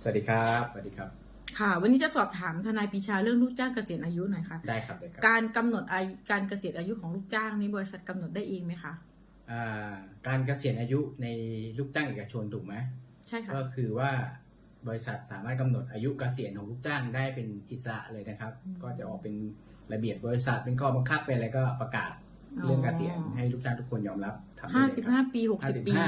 สวัสดีครับสวัสดีครับค่ะวันนี้จะสอบถามทนายปรีชาเรื่องลูกจ้างเกษียณอายุหน่อยค่ะได้ครับได้ครับการกำหนดการเกษียณอายุของลูกจ้างนี้บริษัทกำหนดได้เองไหมคะการเกษียณอายุในลูกจ้างเอกชนถูกไหมใช่ค่ะก็คือว่าบริษัทสามารถกำหนดอายุเกษียณของลูกจ้างได้เป็นอิสระเลยนะครับ ก็จะออกเป็นระเบียบบริษัทเป็นข้อบังคับเป็นอะไรก็ประกาศเรื่องเกษียณให้ลูกจ้างทุกคนยอมรับทำได้เลยครับ 55 ปี60 ปี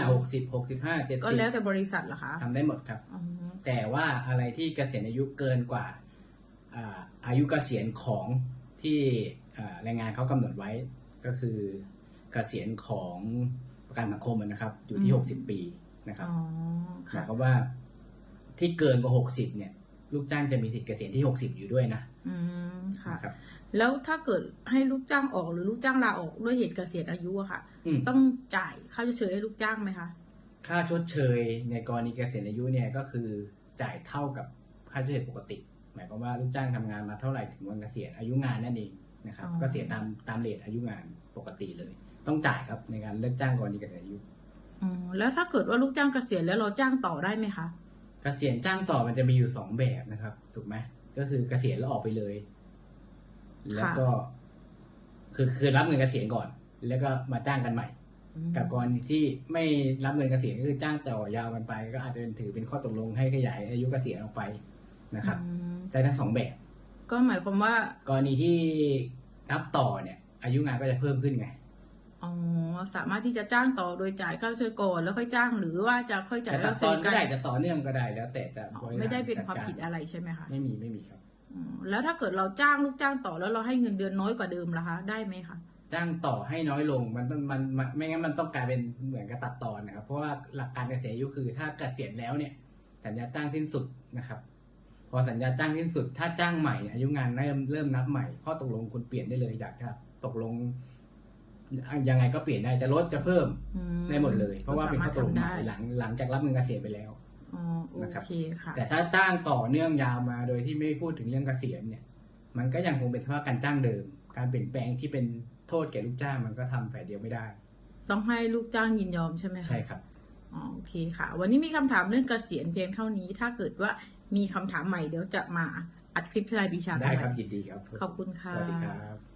65 70 ก็แล้วแต่บริษัทเหรอคะทำได้หมดครับแต่ว่าอะไรที่เกษียณอายุเกินกว่าอายุเกษียณของที่แรงงานเขากำหนดไว้ก็คือเกษียณของประกันสังคมนะครับอยู่ที่60 ปีนะครับหมายความว่าที่เกินกว่า60เนี่ยลูกจ้างจะมีสิทธิ์เกษียณที่60อยู่ด้วยนะค่ะแล้วถ้าเกิดให้ลูกจ้างออกหรือลูกจ้างลาออกด้วยเหตุเกษียณอายุอะค่ะต้องจ่ายค่าชดเชยให้ลูกจ้างไหมคะค่าชดเชยในกรณีเกษียณอายุเนี่ยก็คือจ่ายเท่ากับค่าชดเชยปกติหมายความว่าลูกจ้างทำงานมาเท่าไหร่ถึงวันเกษียณอายุงานนั่นเองนะครับก็เสียตามเรทอายุงานปกติเลยต้องจ่ายครับในการเลิกจ้างกรณีเกษียณอายุแล้วถ้าเกิดว่าลูกจ้างเกษียณแล้วเราจ้างต่อได้ไหมคะเกษียณจ้างต่อมันจะมีอยู่2แบบนะครับถูกไหมก็คือเกษียณแล้วออกไปเลยแล้วก็คือรับเงินเกษียณก่อนแล้วก็มาจ้างกันใหม่กับกรณีที่ไม่รับเงินเกษียณก็คือจ้างต่อยาวกันไปก็อาจจะถือเป็นข้อตกลงให้ขยายอายุเกษียณออกไปนะครับได้ทั้ง2แบบก็หมายความว่ากรณีที่นับต่อเนี่ยอายุงานก็จะเพิ่มขึ้นไงสามารถที่จะจ้างต่อโดยจ่ายค่าชดเชยก่อนแล้วค่อยจ้างหรือว่าจะค่อยจ่ายค่าชดเชยก็ได้จะต่อเนื่องก็ได้แล้วแต่ไม่ได้เป็นความผิดอะไรใช่ไหมคะไม่มีครับแล้วถ้าเกิดเราจ้างลูกจ้างต่อแล้วเราให้เงินเดือนน้อยกว่าเดิมล่ะคะได้ไหมคะจ้างต่อให้น้อยลงมันไม่งั้นมันต้องกลายเป็นเหมือนกับตัดตอนนะครับเพราะว่าหลักการเกษียณอายุคือถ้าเกษียณแล้วเนี่ยสัญญาจ้างสิ้นสุดนะครับพอสัญญาจ้างสิ้นสุดถ้าจ้างใหม่อายุงานเริ่มนับใหม่ข้อตกลงคุณเปลี่ยนได้เลยอยากจะตกลงยังไงก็เปลี่ยนได้จะลดจะเพิ่มได้หมดเลยเพราะว่าเป็นข้อตกลงหลังจากรับเงินเกษียณไปแล้วนะครับแต่ถ้าจ้างต่อเนื่องยาวมาโดยที่ไม่พูดถึงเรื่องเกษียณเนี่ยมันก็ยังคงเป็นสภาพการจ้างเดิมการเปลี่ยนแปลงที่เป็นโทษแก่ลูกจ้างมันก็ทำฝ่ายเดียวไม่ได้ต้องให้ลูกจ้างยินยอมใช่ไหมคะใช่ครับโอเคค่ะวันนี้มีคำถามเรื่องเกษียณเพียงเท่านี้ถ้าเกิดว่ามีคำถามใหม่เดี๋ยวจะมาอัดคลิปทนายปรีชาได้ครับยินดีครับขอบคุณค่ะสวัสดีครับ